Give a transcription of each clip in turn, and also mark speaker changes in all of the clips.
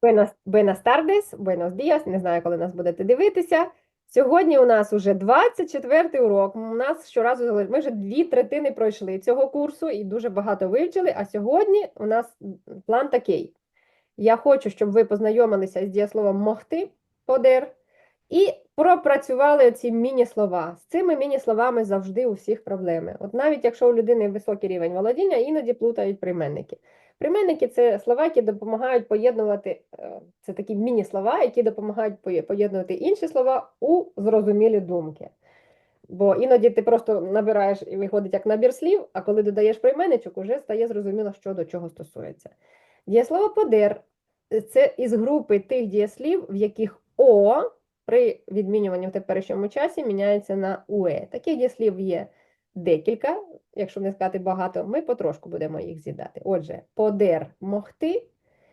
Speaker 1: Buenas tardes, buenos días. Не знаю, коли нас будете дивитися. Сьогодні у нас уже 24-й урок. У нас щоразу ми вже 2/3 пройшли цього курсу і дуже багато вивчили. А сьогодні у нас план такий. Я хочу, щоб ви познайомилися з дієсловом могти, подер, і пропрацювали ці міні-слова. З цими міні-словами завжди у всіх проблеми. От навіть якщо у людини високий рівень володіння, іноді плутають прийменники. Прийменники це слова, які допомагають поєднувати, це такі міні-слова, які допомагають поєднувати інші слова у зрозумілі думки. Бо іноді ти просто набираєш і виходить як набір слів, а коли додаєш прийменничок, уже стає зрозуміло, що до чого стосується. Дієслово подер це із групи тих дієслів, в яких О при відмінюванні в теперішньому часі міняється на УЕ. Таких дієслів є декілька, якщо не сказати багато, ми потрошку будемо їх з'їдати. Отже, подер могти,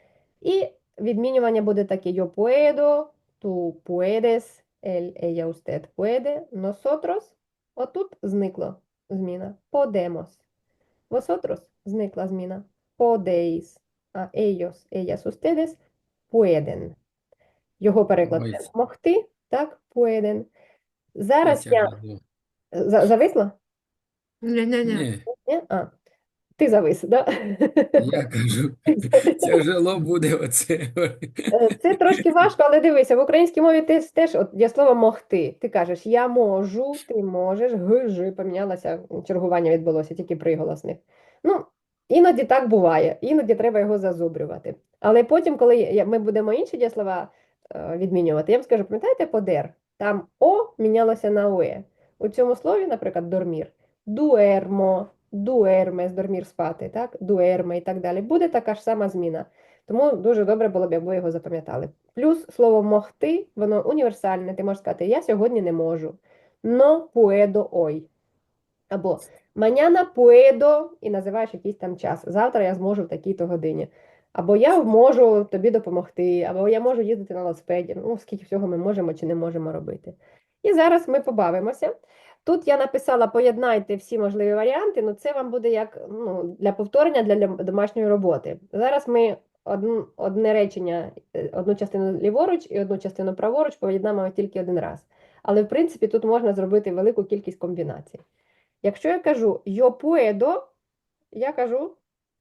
Speaker 1: і відмінювання буде таке: yo puedo, tú puedes, él, ella, usted puede, nosotros. Отут зникло зміна. Podemos. Vosotros зникла зміна. Podéis. А ellos, ellas, ustedes pueden. Його переклад
Speaker 2: Ой,
Speaker 1: це могти, так, pueden.
Speaker 2: це
Speaker 1: Зараз я...
Speaker 2: тяжело.
Speaker 1: Зависла?
Speaker 3: Не-не-не.
Speaker 2: Ні,
Speaker 1: Ні? А, ти завис, да?
Speaker 2: я кажу, тяжело буде оце.
Speaker 1: Це трошки важко, але дивися, в українській мові теж от є слово могти. Ти кажеш я можу, ти можеш, ж помінялося, чергування відбулося, тільки приголосних. Ну, іноді так буває, іноді треба його зазубрювати. Але потім, коли ми будемо інші дієслова відмінювати, я вам скажу, пам'ятаєте подер? Там О мінялося на ОЕ. У цьому слові, наприклад, дормір, дуермо, дуермес, дормір спати, так? Дуерме і так далі. Буде така ж сама зміна. Тому дуже добре було б, якби ви його запам'ятали. Плюс слово могти, воно універсальне. Ти можеш сказати, я сьогодні не можу. No puedo hoy. Або mañana puedo, і називаєш якийсь там час. Завтра я зможу в такій-то годині. Або я можу тобі допомогти, або я можу їздити на велосипеді. Ну, скільки всього ми можемо чи не можемо робити. І зараз ми побавимося. Тут я написала, поєднайте всі можливі варіанти, ну це вам буде як для повторення, для домашньої роботи. Зараз ми одне речення, одну частину ліворуч і одну частину праворуч поєднаємо тільки один раз. Але, в принципі, тут можна зробити велику кількість комбінацій. Якщо я кажу «yo puedo», я кажу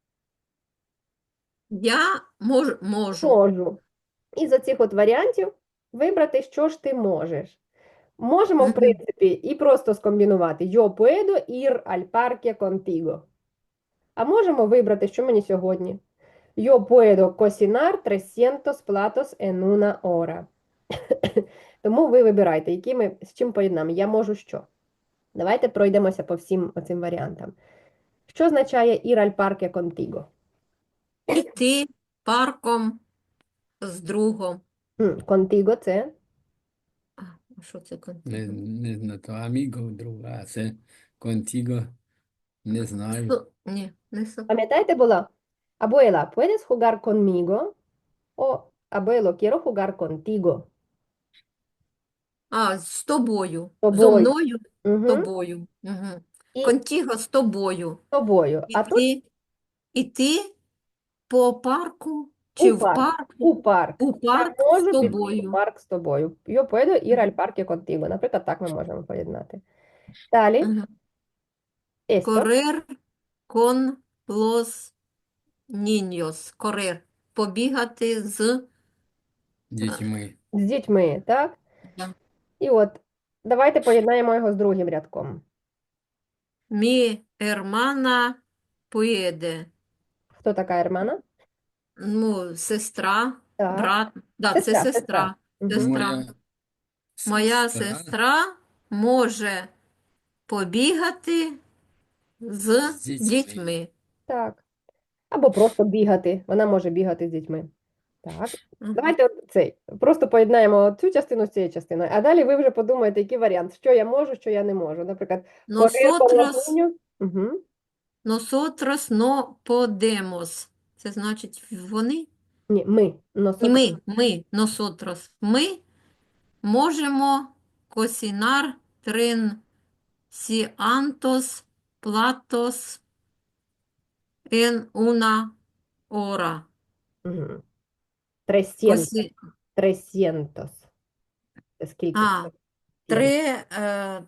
Speaker 3: Я можу.
Speaker 1: «можу». Із оцих от варіантів вибрати, що ж ти можеш. Можемо, в
Speaker 3: Мгм.
Speaker 1: принципі, і просто скомбінувати «yo puedo ir al parque contigo». А можемо вибрати, що мені сьогодні. «Yo puedo cocinar 300 platos en una hora». Тому ви вибирайте, які ми з чим поєднаємо. Я можу що. Давайте пройдемося по всім оцим варіантам. Що означає «ir al parque contigo»?
Speaker 3: Іти парком з другом.
Speaker 1: Contigo це
Speaker 3: А що це
Speaker 2: Не,
Speaker 3: контиго?
Speaker 2: не знаю, то аміго, друга, а це контіго, не знаю.
Speaker 3: Ні, не со.
Speaker 1: пам'ятаєте була? Abuela, ¿puedes jugar conmigo? O abuelo, quiero jugar contigo.
Speaker 3: А, з тобою.
Speaker 1: З
Speaker 3: Зо
Speaker 1: тобою.
Speaker 3: мною, з
Speaker 1: Угу.
Speaker 3: тобою. Угу.
Speaker 1: І з
Speaker 3: Контіго з тобою.
Speaker 1: тобою. А тут
Speaker 3: Іти по парку чи
Speaker 1: у
Speaker 3: в
Speaker 1: парк.
Speaker 3: парку,
Speaker 1: У парк.
Speaker 3: у
Speaker 1: Я
Speaker 3: парк з
Speaker 1: можу піти у
Speaker 3: тобою.
Speaker 1: парк з тобою. Yo puedo ir al parque contigo. Наприклад, так ми можемо поєднати. Далі.
Speaker 3: Угу.
Speaker 1: Esto.
Speaker 3: Корер кон лос ніньос. Корер. Побігати з...
Speaker 2: Дітьми.
Speaker 1: З дітьми, так?
Speaker 3: Да.
Speaker 1: І от, давайте поєднаємо його з другим рядком.
Speaker 3: Мі ермана puede.
Speaker 1: Хто така Ермана?
Speaker 3: Ну, сестра,
Speaker 1: Так.
Speaker 3: брат. Да, це
Speaker 1: Сестра, сестра.
Speaker 3: сестра.
Speaker 1: Угу.
Speaker 3: Сестра.
Speaker 2: Моя
Speaker 3: Моя
Speaker 2: сестра
Speaker 3: сестра може побігати з
Speaker 2: з дітьми.
Speaker 3: дітьми.
Speaker 1: Так. Або просто бігати. Вона може бігати з дітьми. Так.
Speaker 3: Мгм.
Speaker 1: Давайте цей. Просто поєднаємо цю частину з цією частиною. А далі ви вже подумаєте, який варіант, що я можу, що я не можу. Наприклад, correr con los
Speaker 3: Nosotros,
Speaker 1: niños. Угу.
Speaker 3: nosotros no podemos. Це значить вони?
Speaker 1: Ні, ми.
Speaker 3: І
Speaker 1: Nosotros.
Speaker 3: ми, nosotros. Ми можемо cocinar 300 platos en una hora.
Speaker 1: Угу. Trescientos.
Speaker 3: Косі...
Speaker 1: Trescientos. Це скільки?
Speaker 3: А, три, е,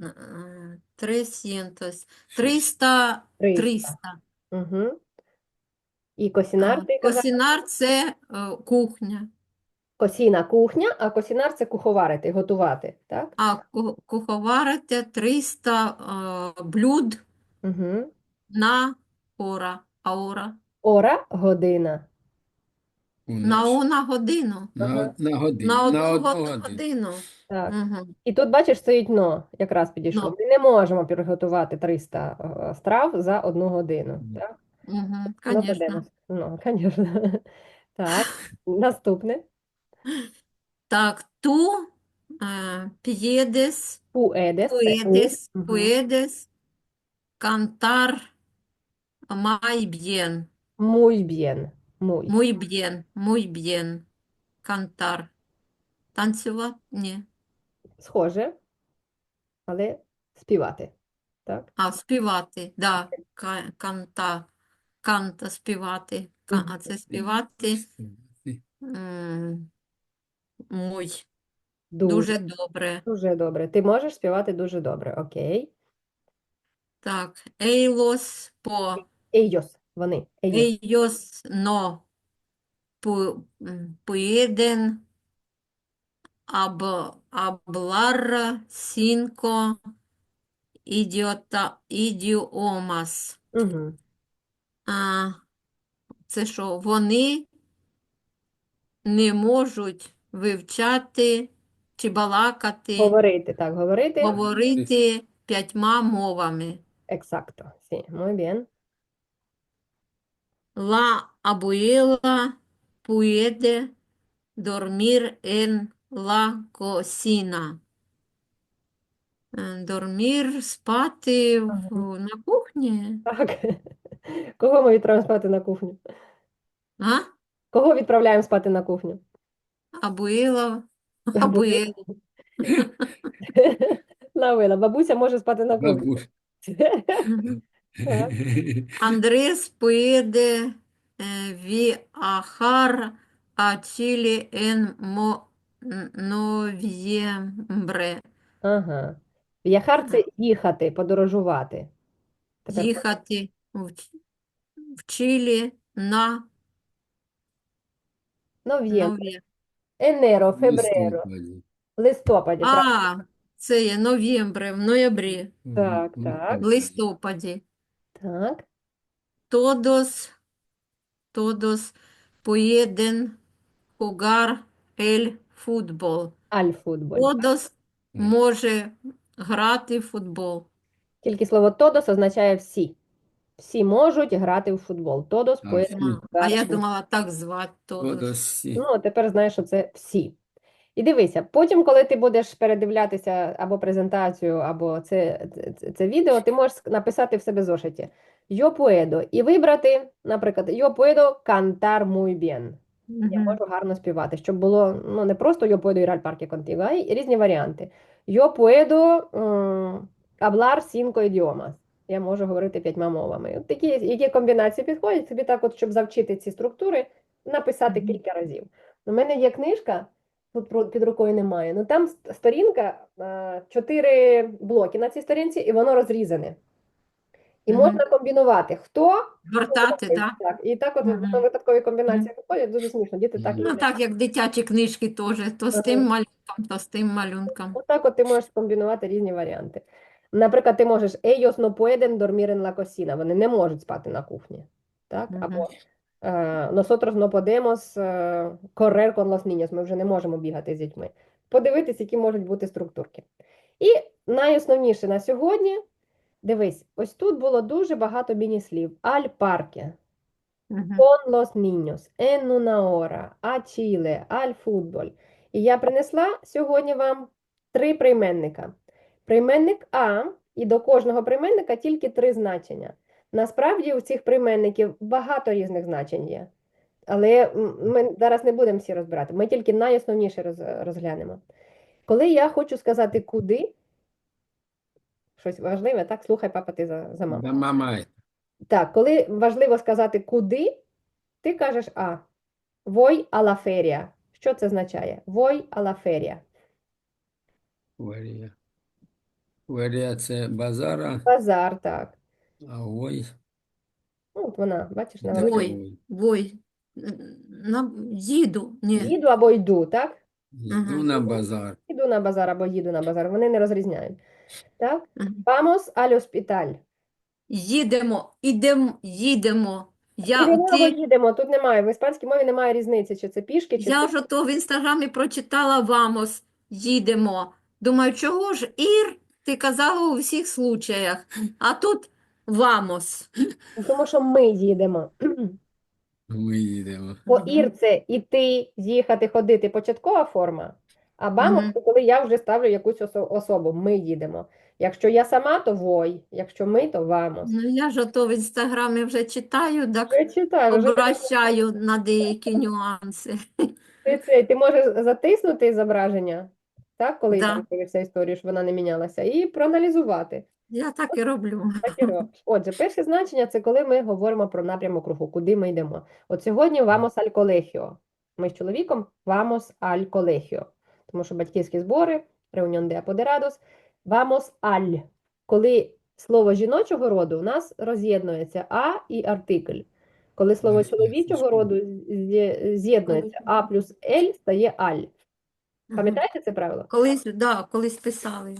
Speaker 3: 300, 300,
Speaker 1: 300.
Speaker 3: 300.
Speaker 1: Угу. І косінар, ти казав?
Speaker 3: Косінар – це кухня,
Speaker 1: Косіна кухня, а косінар це куховарити, готувати, так?
Speaker 3: а куховарити 300 блюд
Speaker 1: Угу.
Speaker 3: на ора.
Speaker 1: Ора, година.
Speaker 2: У
Speaker 3: На
Speaker 2: нас.
Speaker 3: годину.
Speaker 1: Ага.
Speaker 2: На
Speaker 3: На
Speaker 2: годину. На
Speaker 3: одну
Speaker 2: одну годину.
Speaker 3: годину.
Speaker 1: Так.
Speaker 3: Угу.
Speaker 1: І тут, бачиш, стоїть но, якраз підійшло.
Speaker 3: Ну,
Speaker 1: Ми не можемо приготувати 300 страв за 1 годину. Так?
Speaker 3: угу,
Speaker 1: Ну,
Speaker 3: звісно.
Speaker 1: подивимось. Ну, звісно. Так, наступне.
Speaker 3: Так, ту п'єдес,
Speaker 1: Puedes, це у. Мгм.
Speaker 3: puedes cantar muy bien,
Speaker 1: Muy bien. Muy.
Speaker 3: muy bien, cantar. Танцювати? Ні.
Speaker 1: Схоже, але співати. Так?
Speaker 3: Співати, да. Канта співати.
Speaker 1: Мгм.
Speaker 3: А це співати муй.
Speaker 1: Дуже,
Speaker 3: Дуже добре.
Speaker 1: дуже добре. Ти можеш співати дуже добре. Окей.
Speaker 3: Так, елос по
Speaker 1: Ellos, вони. Ellos.
Speaker 3: ellos no pueden hablar cinco idiomas.
Speaker 1: Угу.
Speaker 3: А, це що? Вони не можуть вивчати чи балакати,
Speaker 1: Говорити, так, говорити.
Speaker 3: говорити 5 мовами.
Speaker 1: Exacto. Sí, muy bien.
Speaker 3: La abuela puede dormir en la cocina. Dormir, спати
Speaker 1: Ага.
Speaker 3: на кухні?
Speaker 1: Так. Кого ми відправимо спати на кухню?
Speaker 3: А?
Speaker 1: Кого відправляємо спати на кухню?
Speaker 3: Абуїла,
Speaker 1: Або
Speaker 3: абуїла.
Speaker 1: Лавила. Бабуся може спати на кухні.
Speaker 2: Бабусь.
Speaker 1: Так.
Speaker 3: Андрес puede viajar a Chile en noviembre.
Speaker 1: Ага. В'яхар це їхати, подорожувати. Тепер
Speaker 3: Їхати в Чилі на
Speaker 1: нов'ємбре.
Speaker 3: нові.
Speaker 1: Енеро,
Speaker 2: В
Speaker 1: фебреро.
Speaker 2: листопаді.
Speaker 1: Листопаді, правильно?
Speaker 3: Це є новембре, в ноябрі,
Speaker 1: Так,
Speaker 2: В
Speaker 1: так.
Speaker 3: в листопаді.
Speaker 1: Так.
Speaker 3: Todos pueden jugar el fútbol.
Speaker 1: Аль-футболь.
Speaker 3: Todos може грати в футбол.
Speaker 1: Тільки слово «тодос» означає «всі». Всі можуть грати в футбол. «Тодос»
Speaker 2: А,
Speaker 1: pueden
Speaker 2: всі.
Speaker 3: А я
Speaker 1: jugar.
Speaker 3: думала так звати Todos.
Speaker 2: Тодосі.
Speaker 1: Ну, тепер знаєш, що це «всі». І дивися, потім, коли ти будеш передивлятися або презентацію, або це відео, ти можеш написати в себе в зошиті «Yo puedo» і вибрати, наприклад, «Yo puedo cantar muy bien». Я
Speaker 3: Мгм.
Speaker 1: можу гарно співати, щоб було ну, не просто «Yo puedo ir al parque contigo», а й різні варіанти. «Yo puedo hablar cinco idiomas». Я можу говорити 5 мовами. От такі, які комбінації підходять, тобі так от, щоб завчити ці структури, написати
Speaker 3: Мгм.
Speaker 1: кілька разів. У мене є книжка, тут під рукою немає, ну там сторінка, 4 блоки на цій сторінці, і воно розрізане. І
Speaker 3: Мгм.
Speaker 1: можна комбінувати, хто
Speaker 3: Гортати,
Speaker 1: робить,
Speaker 3: так?
Speaker 1: так. І так от
Speaker 3: Мгм.
Speaker 1: воно випадкові комбінації виходять, дуже смішно, діти так
Speaker 2: Мгм.
Speaker 3: Ну,
Speaker 1: люблять.
Speaker 3: так, як дитячі книжки теж. То з тим
Speaker 1: Ага.
Speaker 3: малюнком, то з тим малюнком.
Speaker 1: Отак от ти можеш комбінувати різні варіанти. Наприклад, ти можеш ellos no pueden dormir en la cocina, вони не можуть спати на кухні. Так?
Speaker 3: Мгм.
Speaker 1: Або nosotros no podemos correr con los niños, ми вже не можемо бігати з дітьми. Подивитись, які можуть бути структурки. І найосновніше на сьогодні, дивись, ось тут було дуже багато міні-слів. Al parque,
Speaker 3: Мгм.
Speaker 1: con los niños, en una hora, a Chile, al fútbol. І я принесла сьогодні вам 3 прийменника. Прийменник А, і до кожного прийменника тільки 3 значення. Насправді у цих прийменників багато різних значень є. Але ми зараз не будемо всі розбирати. Ми тільки найосновніше розглянемо. Коли я хочу сказати куди, щось важливе, так, слухай, папа, ти за маму.
Speaker 2: Да, мама.
Speaker 1: Так, коли важливо сказати куди, ти кажеш А. Voi alla feria. Що це означає? Voi alla feria.
Speaker 2: Верія. Верія це базара,
Speaker 1: Базар, так.
Speaker 2: а вой
Speaker 1: Ну, от вона, бачиш, на
Speaker 2: де
Speaker 1: великому.
Speaker 3: Вой, вой. Їду. Ні.
Speaker 1: Їду або йду, так?
Speaker 2: йду на базар.
Speaker 1: Іду на базар або їду на базар. Вони не розрізняють. Так?
Speaker 3: Мгм.
Speaker 1: Vamos al hospital.
Speaker 3: Їдемо.
Speaker 1: Їдемо або їдемо. Тут немає. В іспанській мові немає різниці, чи це пішки, чи
Speaker 3: Я
Speaker 1: це...
Speaker 3: ж ото в інстаграмі прочитала «Вамос», їдемо. Думаю, чого ж Ір, ти казала у всіх случаях, а тут «Вамос».
Speaker 1: Тому що ми їдемо.
Speaker 2: Ми їдемо.
Speaker 1: Бо
Speaker 3: Мгм.
Speaker 1: ір це іти, їхати, ходити, початкова форма. А бамос
Speaker 3: Мгм.
Speaker 1: це коли я вже ставлю якусь особу. Ми їдемо. Якщо я сама, то вой. Якщо ми, то вамос.
Speaker 3: Ну, я ж ото в інстаграмі вже читаю, так
Speaker 1: Я читаю, вже
Speaker 3: обращаю на деякі нюанси.
Speaker 1: ти можеш затиснути зображення, так, коли
Speaker 3: Да,
Speaker 1: там дивишся історію, щоб вона не мінялася, і проаналізувати.
Speaker 3: я так і роблю.
Speaker 1: Так і робиш. Отже, перше значення це коли ми говоримо про напрямок руху, куди ми йдемо. От сьогодні vamos al colegio. Ми з чоловіком vamos al colegio. Тому що батьківські збори, reunión de apoderados, vamos al. Коли слово жіночого роду у нас роз'єднується а і артикль. Коли слово
Speaker 2: Ось,
Speaker 1: чоловічого роду з'єднується а плюс ель стає аль.
Speaker 3: Мгм.
Speaker 1: Пам'ятаєте це правило?
Speaker 3: Колись писали.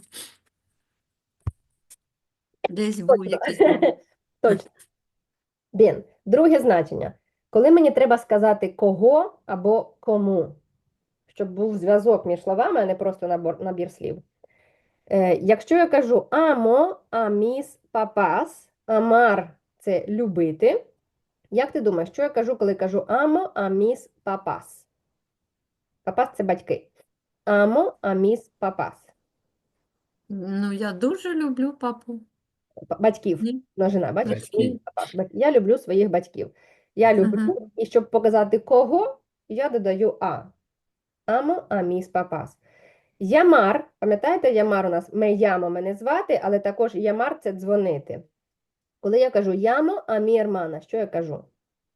Speaker 3: Десь був
Speaker 1: Точно.
Speaker 3: якийсь момент.
Speaker 1: Точно. Bien. Друге значення. Коли мені треба сказати кого або кому, щоб був зв'язок між словами, а не просто набір слів. Якщо я кажу амо, аміс, папас, амар це любити. Як ти думаєш, що я кажу, коли кажу амо, аміс, папас? Папас це батьки. Амо, аміс, папас.
Speaker 3: Ну, я дуже люблю папу.
Speaker 1: Батьків,
Speaker 3: Ні?
Speaker 1: множина, бачиш?
Speaker 2: Батьків.
Speaker 1: Мій папа. Я люблю своїх батьків. Я люблю,
Speaker 3: Ага.
Speaker 1: і щоб показати кого, я додаю а. Амо, аміс, папас. Ямар, пам'ятаєте, ямар у нас ямо мене звати, але також ямар це дзвонити. Коли я кажу ямо, а мі ермана, що я кажу?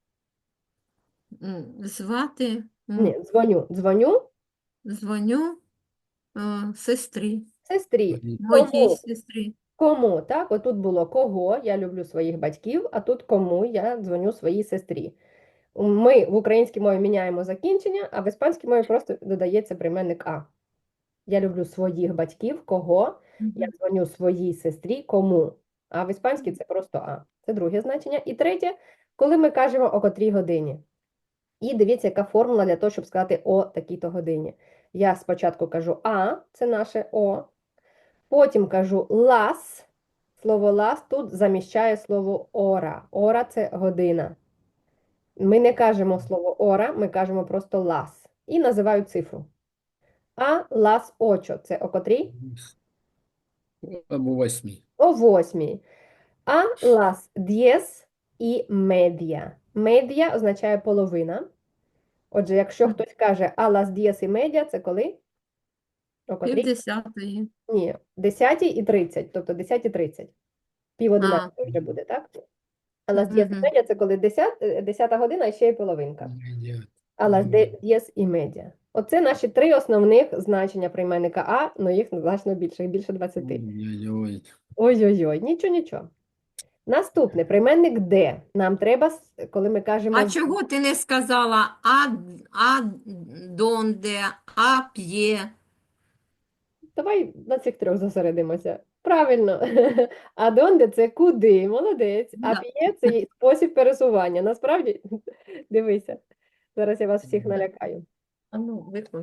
Speaker 3: Звати,
Speaker 1: Ні, дзвоню
Speaker 3: дзвоню сестрі,
Speaker 1: сестрі.
Speaker 3: моїй
Speaker 1: Кому?
Speaker 3: сестрі.
Speaker 1: Кому, так? Отут було кого, я люблю своїх батьків, а тут кому я дзвоню своїй сестрі. Ми в українській мові міняємо закінчення, а в іспанській мові просто додається прийменник а. Я люблю своїх батьків, кого, я дзвоню своїй сестрі, кому. А в іспанській це просто а. Це друге значення. І третє, коли ми кажемо о котрій годині. І дивіться, яка формула для того, щоб сказати о такій-то годині. Я спочатку кажу а, це наше о. Потім кажу лас. Слово лас тут заміщає слово ора. Ора це година. Ми не кажемо слово ора, ми кажемо просто лас. І називаю цифру. А лас очо. Це о котрій?
Speaker 2: Або 8.
Speaker 1: О 8. А las 10:30. Медіа означає половина. Отже, якщо хтось каже а las 10:30, це коли? О котрій?
Speaker 3: 50-ї.
Speaker 1: Ні, 10:30, тобто 10:30. Пів 11 вже буде, так? А las 10:30 це коли 10 година і ще й половинка. А las 10:30. Оце наші три основних значення прийменника а, але їх значно більше, їх більше 20.
Speaker 2: Ой-ой-ой.
Speaker 1: Ой-ой-ой, нічого. Наступне, прийменник де. Нам треба, коли ми кажемо...
Speaker 3: А чого ти не сказала а донде, а п'є?
Speaker 1: Давай на цих трьох зосередимося. Правильно. А донде це куди, молодець. А
Speaker 3: Да.
Speaker 1: п'є це є спосіб пересування. Насправді, дивися, зараз я вас всіх налякаю.
Speaker 3: А ну, виклик.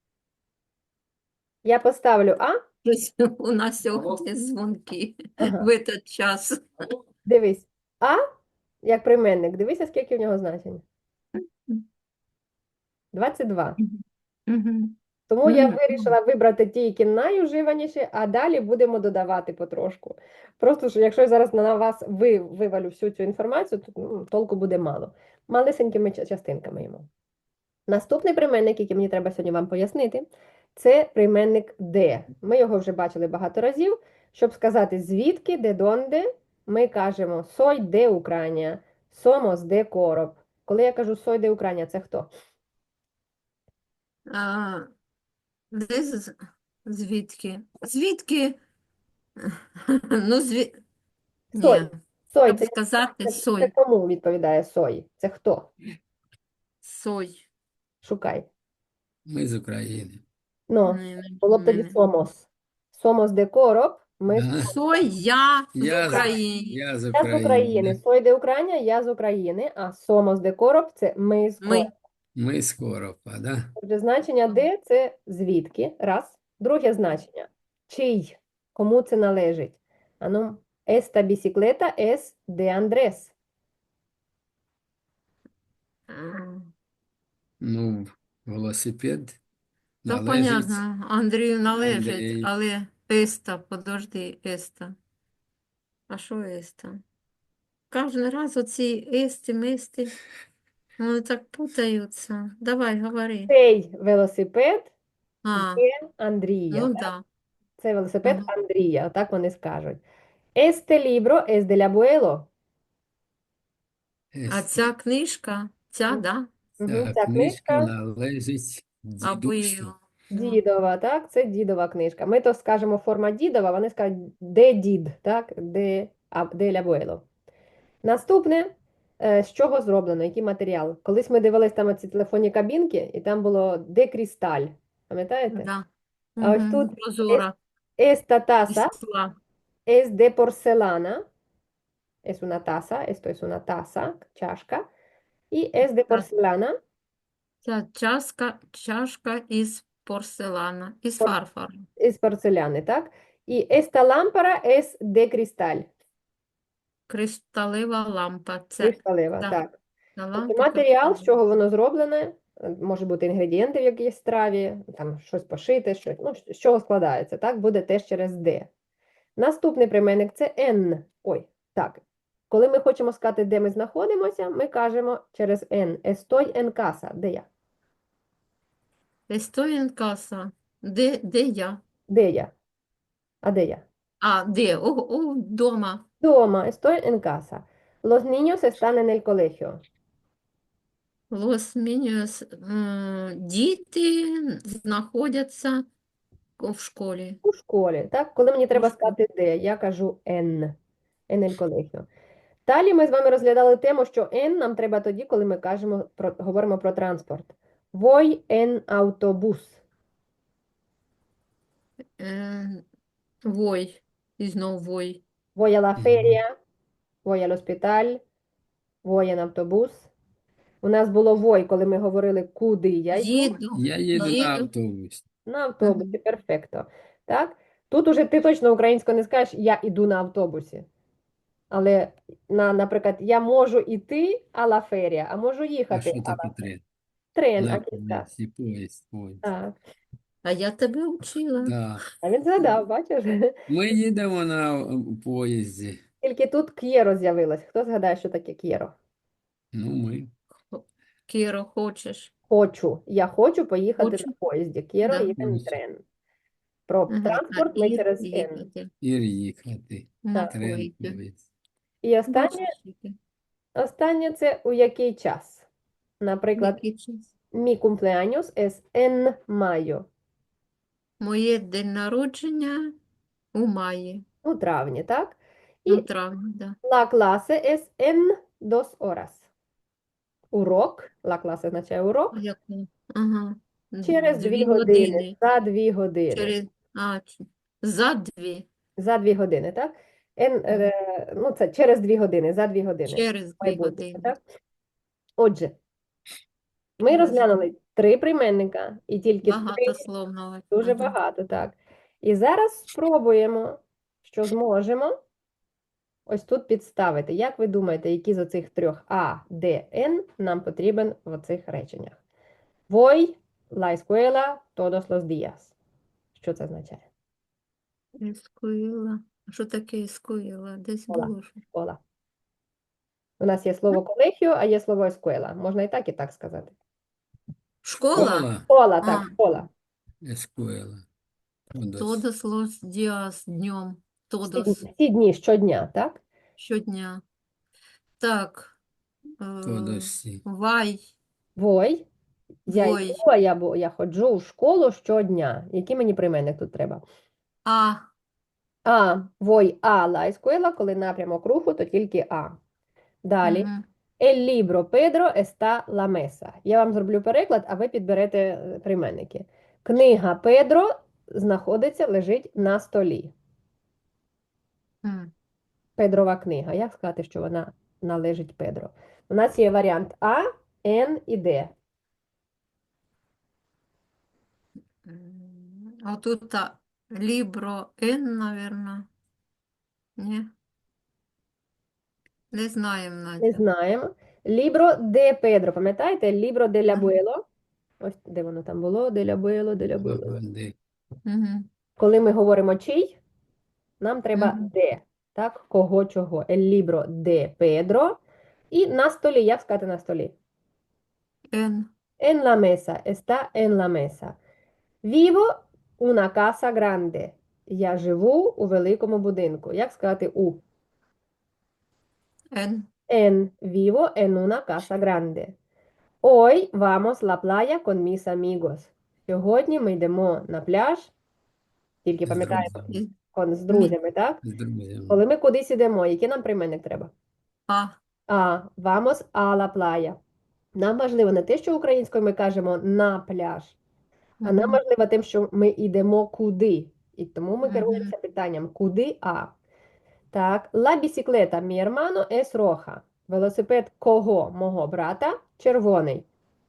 Speaker 1: Я поставлю а,
Speaker 3: Щось у нас сьогодні дзвонки
Speaker 1: Ага.
Speaker 3: в цей час.
Speaker 1: дивись, а, як прийменник, дивися, скільки в нього значень. 22.
Speaker 3: Мгм.
Speaker 1: Тому я
Speaker 3: Мгм.
Speaker 1: вирішила вибрати ті, які найуживаніші, а далі будемо додавати потрошку. Просто, що якщо я зараз на вас вивалю всю цю інформацію, то толку буде мало. Малесенькими частинками йому. Наступний прийменник, який мені треба сьогодні вам пояснити, це прийменник де. Ми його вже бачили багато разів. Щоб сказати звідки, де донде, ми кажемо soy de Ucrania, somos de Короб. Коли я кажу soy de Ucrania, це хто?
Speaker 3: А, де звідки? Звідки? Ну,
Speaker 1: Сой.
Speaker 3: Ні,
Speaker 1: Сой,
Speaker 3: як
Speaker 1: це,
Speaker 3: сказати,
Speaker 1: це
Speaker 3: сой,
Speaker 1: кому відповідає сой? Це хто?
Speaker 3: сой.
Speaker 1: Шукай.
Speaker 2: Ми з України.
Speaker 1: Ну, було б тоді
Speaker 3: Не.
Speaker 1: сомос. Сомос де короб, ми з
Speaker 2: Да?
Speaker 3: Сой, я з
Speaker 2: Я з,
Speaker 3: України.
Speaker 2: я з
Speaker 1: Я з України.
Speaker 2: України.
Speaker 1: Сой де Україна, я з України, а сомос де короб це ми з
Speaker 3: Ми.
Speaker 1: короб.
Speaker 2: Ми з Коропа, да?
Speaker 1: Отже, значення де це звідки, раз. Друге значення. Чий, кому це належить. Ану, esta bicicleta es de Andrés.
Speaker 3: М,
Speaker 2: Ну, велосипед
Speaker 3: Та
Speaker 2: належить
Speaker 3: понятно, Андрію належить,
Speaker 2: Андрію.
Speaker 3: але Еста, подожди, Еста. А що Еста? Кожен раз оці Ести, Мести, вони так путаються. Давай, говори.
Speaker 1: Цей велосипед
Speaker 3: А,
Speaker 1: є Андрія.
Speaker 3: ну
Speaker 1: Так?
Speaker 3: да.
Speaker 1: Це велосипед
Speaker 3: Ага.
Speaker 1: Андрія, так вони скажуть. Este libro es del abuelo.
Speaker 3: А ця книжка, ця, да?
Speaker 2: Ця
Speaker 1: Ця
Speaker 2: книжка
Speaker 1: книжка
Speaker 2: належить
Speaker 3: Або
Speaker 2: дідусю.
Speaker 1: дідова, так? Це дідова книжка. Ми то скажемо форма дідова, вони скажуть де дід, так? Де abuelo. Наступне, з чого зроблено, який матеріал? Колись ми дивились там ці телефонні кабінки, і там було де кристаль. Пам'ятаєте?
Speaker 3: Да.
Speaker 1: А ось тут
Speaker 3: Прозора.
Speaker 1: esta taza
Speaker 3: Ісла.
Speaker 1: es de porcelana. Es una taza, esto es una taza, чашка. І es de
Speaker 3: Так.
Speaker 1: porcelana,
Speaker 3: Ця чашка із порселана, із
Speaker 1: Пор-
Speaker 3: фарфору.
Speaker 1: із порцеляни, так? І esta lámpara es de cristal,
Speaker 3: Кришталева лампа. Це,
Speaker 1: кришталева,
Speaker 3: да,
Speaker 1: так.
Speaker 3: ця
Speaker 1: Тобто
Speaker 3: лампа
Speaker 1: матеріал, з
Speaker 3: кришталева.
Speaker 1: чого воно зроблене, може бути інгредієнти в якійсь страві, там щось пошите, щось, ну, з чого складається, так? Буде теж через de. Наступний прийменник це en. Ой, так. Коли ми хочемо сказати, де ми знаходимося, ми кажемо через en. Estoy en casa. Де я?
Speaker 3: Estoy en casa. Де я?
Speaker 1: Де я? А де я?
Speaker 3: А, де? Дома.
Speaker 1: Дома. Estoy en casa. Los niños están en el colegio.
Speaker 3: Los niños, діти знаходяться в школі.
Speaker 1: У школі. Так? Коли мені треба
Speaker 3: школі.
Speaker 1: сказати де, я кажу en. En el colegio. Далі ми з вами розглядали тему, що en нам треба тоді, коли ми говоримо про транспорт. Voy en autobús.
Speaker 3: Вой. І знов вой.
Speaker 1: Voy a la
Speaker 2: Мгм.
Speaker 1: feria. Voy al hospital. Voy en autobús. У нас було voy, коли ми говорили, куди я йду.
Speaker 3: Їду.
Speaker 2: Я їду на
Speaker 3: Їду.
Speaker 2: автобусі.
Speaker 1: На автобусі, перфекто. Так? Тут уже ти точно українською не скажеш, я іду на автобусі. Але, наприклад, я можу іти а-ла ферія, а можу
Speaker 2: А
Speaker 1: їхати
Speaker 2: що таке
Speaker 1: а-ла
Speaker 2: трен?
Speaker 1: трен,
Speaker 2: На
Speaker 1: акіста.
Speaker 2: поїзд.
Speaker 1: Так.
Speaker 3: А я тебе вчила.
Speaker 2: Да.
Speaker 1: А він згадав, бачиш?
Speaker 2: Ми їдемо на поїзді.
Speaker 1: Тільки тут к'єро з'явилось. Хто згадає, що таке к'єро?
Speaker 2: Ну, ми.
Speaker 3: Кіро, хочеш?
Speaker 1: Хочу. Я хочу поїхати
Speaker 3: Хочу.
Speaker 1: на поїзді. К'єро
Speaker 3: Да.
Speaker 1: їхати
Speaker 2: Хочу.
Speaker 1: трен. Про
Speaker 3: Ага.
Speaker 1: транспорт ми через N.
Speaker 3: їхати.
Speaker 2: І їхати.
Speaker 3: На
Speaker 2: Трен,
Speaker 3: поїзді.
Speaker 2: поїзд.
Speaker 1: І останнє це у який час. Наприклад,
Speaker 3: Який час?
Speaker 1: mi cumpleaños es en mayo.
Speaker 3: Моє день народження у маї.
Speaker 1: У травні, так?
Speaker 3: У
Speaker 1: І
Speaker 3: травні, да.
Speaker 1: la clase es en 2 horas. Урок, la clase означає урок,
Speaker 3: Яку? Ага.
Speaker 1: через 2 години, за 2 години.
Speaker 3: Через... За 2.
Speaker 1: За 2 години, так? Ну, це через 2 години, за 2 години.
Speaker 3: Через 2
Speaker 1: Майбутнє,
Speaker 3: години.
Speaker 1: так? Отже, ми розглянули 3 прийменника, і тільки 3
Speaker 3: Багатословно.
Speaker 1: дуже
Speaker 3: Ага.
Speaker 1: багато, так. І зараз спробуємо, що зможемо ось тут підставити. Як ви думаєте, які з оцих 3 А, Д, Н нам потрібен в оцих реченнях? Voy la escuela todos los días. Що це означає?
Speaker 3: Ескуїла. А що таке ескуїла? Десь
Speaker 1: Школа.
Speaker 3: було. Що.
Speaker 1: Школа. У нас є слово колегіо, а є слово escuela. Можна і так сказати.
Speaker 3: Школа?
Speaker 2: Школа.
Speaker 1: Школа, так,
Speaker 3: А.
Speaker 1: школа.
Speaker 2: Ескуела.
Speaker 3: Тодос лос діас днем. Тодос.
Speaker 1: Всі дні, щодня, так?
Speaker 3: Щодня. Так.
Speaker 2: Тодосі.
Speaker 3: Вай.
Speaker 1: Voy, Я
Speaker 3: Вой.
Speaker 1: йду, я ходжу у школу щодня. Який мені прийменник тут треба?
Speaker 3: А.
Speaker 1: Voy a la escuela, коли напрямок руху, то тільки а. Далі.
Speaker 3: Мгм.
Speaker 1: El libro Pedro está la mesa. Я вам зроблю переклад, а ви підберете прийменники. Книга Педро знаходиться, лежить на столі.
Speaker 3: М.
Speaker 1: Педрова книга. Як сказати, що вона належить Педро? У нас є варіант А, Н і Д.
Speaker 3: А тут Libro N, наверное. Ні, не знаємо,
Speaker 1: Не
Speaker 3: Надя.
Speaker 1: знаємо. Libro de Pedro. Пам'ятаєте? Libro del
Speaker 3: Ага.
Speaker 1: abuelo. Ось де воно там було. Del abuelo, del abuelo.
Speaker 2: Ага, де.
Speaker 3: Мгм.
Speaker 1: Коли ми говоримо чий, нам треба
Speaker 3: Мгм.
Speaker 1: де. Так, кого, чого. El libro de Pedro. І на столі. Як сказати на столі?
Speaker 3: N.
Speaker 1: En la mesa. Está en la mesa. Vivo una casa grande. Я живу у великому будинку. Як сказати у?
Speaker 3: N.
Speaker 1: Vivo en una casa grande. Hoy vamos la playa con mis amigos. Сьогодні ми йдемо на пляж, тільки
Speaker 2: З
Speaker 1: пам'ятаємо,
Speaker 2: друзями.
Speaker 1: з друзями, так?
Speaker 2: З друзями.
Speaker 1: Коли ми кудись йдемо, який нам прийменник треба?
Speaker 3: А.
Speaker 1: Vamos a la playa. Нам важливо не те, що українською ми кажемо на пляж, а нам
Speaker 3: Мгм.
Speaker 1: важливо тим, що ми йдемо куди. І тому ми
Speaker 3: Мгм.
Speaker 1: керуємося питанням куди Так, la bicicleta mi hermano es roja. Велосипед кого? Мого брата? Червоний.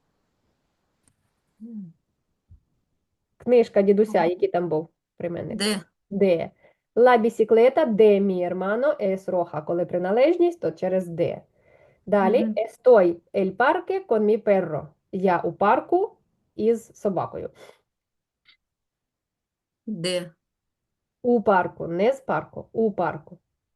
Speaker 1: Книжка дідуся, який там був прийменник?
Speaker 3: Д.
Speaker 1: Де. La bicicleta de mi hermano es roja. Коли приналежність, то через де. Далі.
Speaker 3: Мгм.
Speaker 1: Estoy el parque con mi perro. Я у парку із собакою.
Speaker 3: Д.
Speaker 1: У парку, не з парку, у парку.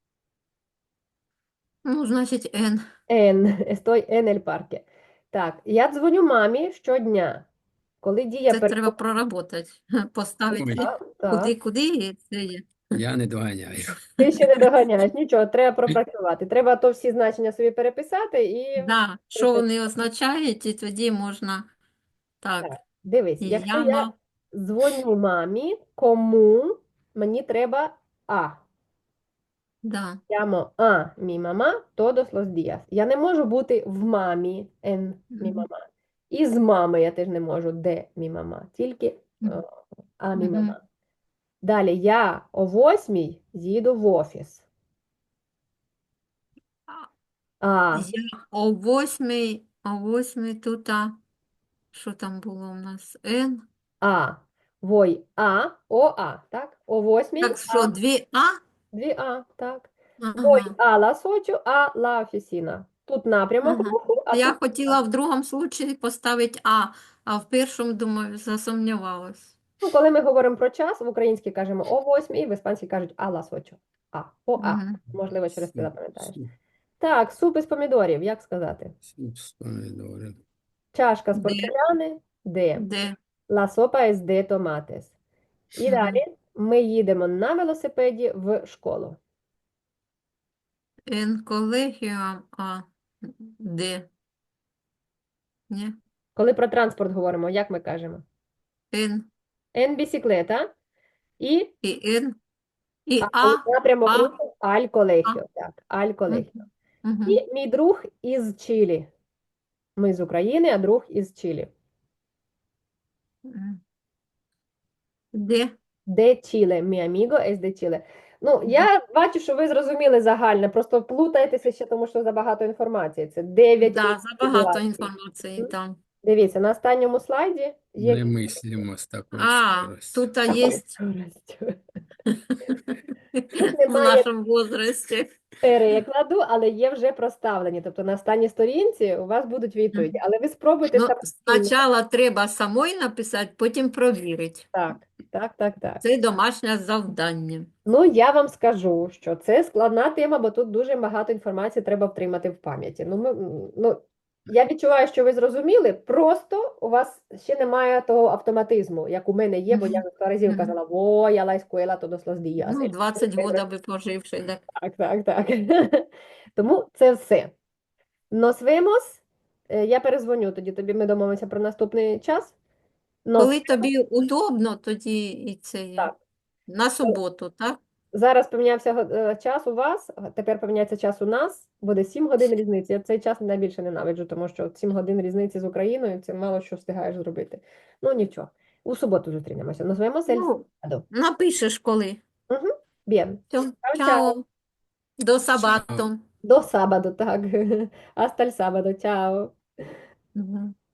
Speaker 3: Ну, значить, N.
Speaker 1: Estoy en el parque. Так, я дзвоню мамі щодня. Коли дія
Speaker 3: Це треба проработати. Поставити
Speaker 1: Так.
Speaker 3: куди, і це є.
Speaker 2: Я не доганяю.
Speaker 1: Ти ще не доганяєш, нічого, треба пропрацювати. Треба то всі значення собі переписати і
Speaker 3: Да, що вони означають, і тоді можна так.
Speaker 1: так, дивись, якщо я
Speaker 3: Яма.
Speaker 1: дзвоню мамі, кому мені треба
Speaker 3: Да.
Speaker 1: Llamo a mi mamá todos los días. Я не можу бути в мамі, en mi
Speaker 3: Мгм.
Speaker 1: mamá. І з мами я теж не можу, де мі мама, тільки
Speaker 3: Мгм.
Speaker 1: а мі
Speaker 3: Мгм.
Speaker 1: мама. Далі я о 8 їду в офіс. А,
Speaker 3: Я о восьмій тут, що там було у нас? Н.
Speaker 1: вой, так? О 8
Speaker 3: Так що, дві А?
Speaker 1: дві так. Voy
Speaker 3: Ага.
Speaker 1: a las 8 a la oficina. Тут напрямок
Speaker 3: Ага.
Speaker 1: руху, а
Speaker 3: Я
Speaker 1: тут
Speaker 3: хотіла в другому случаї поставити а в першому, думаю, засумнівалась.
Speaker 1: Ну, коли ми говоримо про час, в українській кажемо о 8, в іспанській кажуть а лас 8.
Speaker 3: Мгм.
Speaker 1: Можливо, через це
Speaker 2: Суп,
Speaker 1: запам'ятаєш.
Speaker 2: суп,
Speaker 1: Так, суп із помідорів, як сказати?
Speaker 2: суп з помідорів.
Speaker 1: Чашка з
Speaker 3: Де?
Speaker 1: порцеляни, де?
Speaker 3: Де?
Speaker 1: La sopa es de tomates. І
Speaker 3: Мгм.
Speaker 1: далі ми їдемо на велосипеді в школу.
Speaker 3: Н колегіум, де? Ні?
Speaker 1: Коли про транспорт говоримо, як ми кажемо?
Speaker 3: Н
Speaker 1: En bicicleta і
Speaker 3: і Н і
Speaker 1: напрямок
Speaker 3: А.
Speaker 1: руху al colegio. Так, al colegio.
Speaker 3: Мгм.
Speaker 1: І мій друг із Чилі. Ми з України, а друг із Чилі.
Speaker 3: Мгм. Де?
Speaker 1: Де Чиле? Mi amigo es de Chile. Ну, я бачу, що ви зрозуміли загальне, просто плутаєтеся ще, тому що забагато інформації. Це 9
Speaker 3: Да, забагато
Speaker 1: ситуацій.
Speaker 3: інформації там.
Speaker 1: Дивіться, на останньому слайді є
Speaker 2: Не мислимо з такою
Speaker 3: А,
Speaker 2: скоростю.
Speaker 3: тут
Speaker 1: такою
Speaker 3: є
Speaker 1: скоростю. Тут
Speaker 3: в
Speaker 1: немає
Speaker 3: нашому возрасті.
Speaker 1: перекладу, але є вже проставлені. Тобто на останній сторінці у вас будуть відповіді. Але ви спробуйте
Speaker 3: Ну,
Speaker 1: самостійно.
Speaker 3: спочатку треба самой написати, потім провірити.
Speaker 1: Так.
Speaker 3: Це домашнє завдання.
Speaker 1: Ну, я вам скажу, що це складна тема, бо тут дуже багато інформації треба втримати в пам'яті. Я відчуваю, що ви зрозуміли, просто у вас ще немає того автоматизму, як у мене є, бо я
Speaker 3: Мгм.
Speaker 1: 100 разів
Speaker 3: Мгм.
Speaker 1: казала, voy a la escuela todos los días.
Speaker 3: Ну, 20 років аби поживши. Так.
Speaker 1: Так. Тому це все. Nos vemos Я перезвоню тоді, тобі ми домовимося про наступний час. Но
Speaker 3: Коли тобі удобно, тоді і це є.
Speaker 1: так.
Speaker 3: На суботу, так?
Speaker 1: Зараз помінявся час у вас, тепер поміняється час у нас, буде 7 годин різниці. Я цей час найбільше ненавиджу, тому що 7 годин різниці з Україною, це мало що встигаєш зробити. Ну нічого, у суботу зустрінемося. Назвемо
Speaker 3: Ну,
Speaker 1: сельсаду.
Speaker 3: напишеш коли.
Speaker 1: Угу. Bien.
Speaker 3: Все,
Speaker 1: Чао, чао.
Speaker 3: чао. До
Speaker 2: Ciao.
Speaker 3: сабату.
Speaker 1: До sábado, так. Hasta el sábado. Чао.
Speaker 3: Мгм.